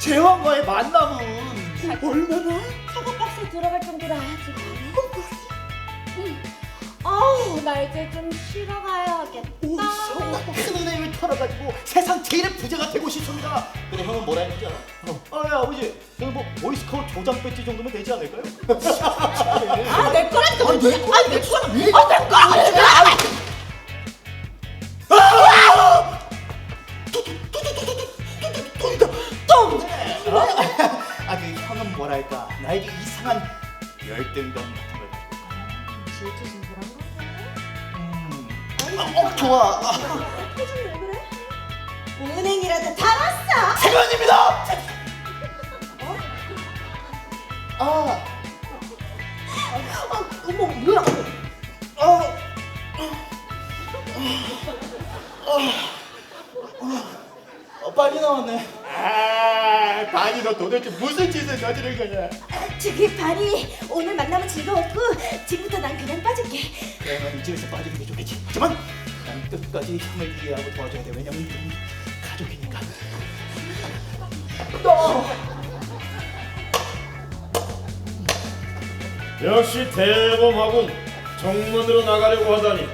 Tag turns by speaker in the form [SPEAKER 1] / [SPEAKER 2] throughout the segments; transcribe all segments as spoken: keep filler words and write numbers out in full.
[SPEAKER 1] 제왕과의 만남은 얼마나?
[SPEAKER 2] 사과박스에 들어갈 정도로 아주 많이. 아우 나 이제 좀 쉬러 가야겠다.
[SPEAKER 1] 오, 형나 큰 은행을 털어가지고 세상 제일의 부자가 되고 싶습니다. 근데 형은 뭐라 했는지 알아? 어. 아, 야, 아버지, 저는 뭐 보이스카우트 조장 배지 정도면 되지 않을까요?
[SPEAKER 2] 아 내 거라니까.
[SPEAKER 1] 아니, 내 거, 아니, 내 거라 왜?
[SPEAKER 2] 아 내 거라니까.
[SPEAKER 1] 아! 돈이다. 돈. 아, 그 형은 뭐랄까 나에게 이상한 열등감 같은 걸 가지고 있거든.
[SPEAKER 2] 질투 좀 그런 거?
[SPEAKER 1] 음. 아, 어, 좋아. 아,
[SPEAKER 2] 표정 왜 그래? 은행이라도 달았어.
[SPEAKER 1] 세관입니다.
[SPEAKER 2] 어?
[SPEAKER 1] 아,
[SPEAKER 2] 어, 어머 뭐야?
[SPEAKER 1] 아, 어, 빨리 나왔네. 아, 바니 너 도대체 무슨 짓을 저지른 거냐?
[SPEAKER 2] 저기 바리 오늘 만나면 즐거웠고 지금부터 난 그냥 빠질게.
[SPEAKER 1] 그래, 넌 이쯤에서 빠지는 게 좋겠지. 하지만 난 끝까지 형을 이해하고 도와줘야 돼. 왜냐면 우리는 가족이니까. 너.
[SPEAKER 3] 역시 대범하군. 정문으로 나가려고 하다니.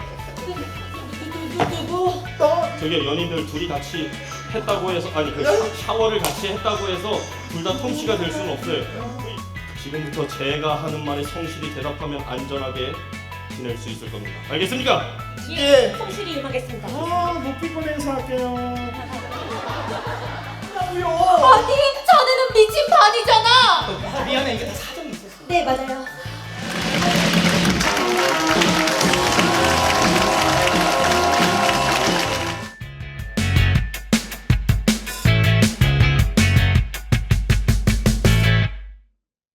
[SPEAKER 2] 누구?
[SPEAKER 1] 너.
[SPEAKER 3] 저게 연인들 둘이 같이 했다고 해서 아니 그 샤워를 같이 했다고 해서 둘 다 통치가 될 수는 없어요. 지금부터 제가 하는 말에 성실히 대답하면 안전하게 지낼 수 있을 겁니다. 알겠습니까?
[SPEAKER 1] 예.
[SPEAKER 2] 성실히 임하겠습니다.
[SPEAKER 1] 아, 높이권 행사할게요.
[SPEAKER 2] 아니 자네는 미친 반이잖아.
[SPEAKER 1] 미안해, 이게 다 사정이 있었어.
[SPEAKER 2] 네 맞아요.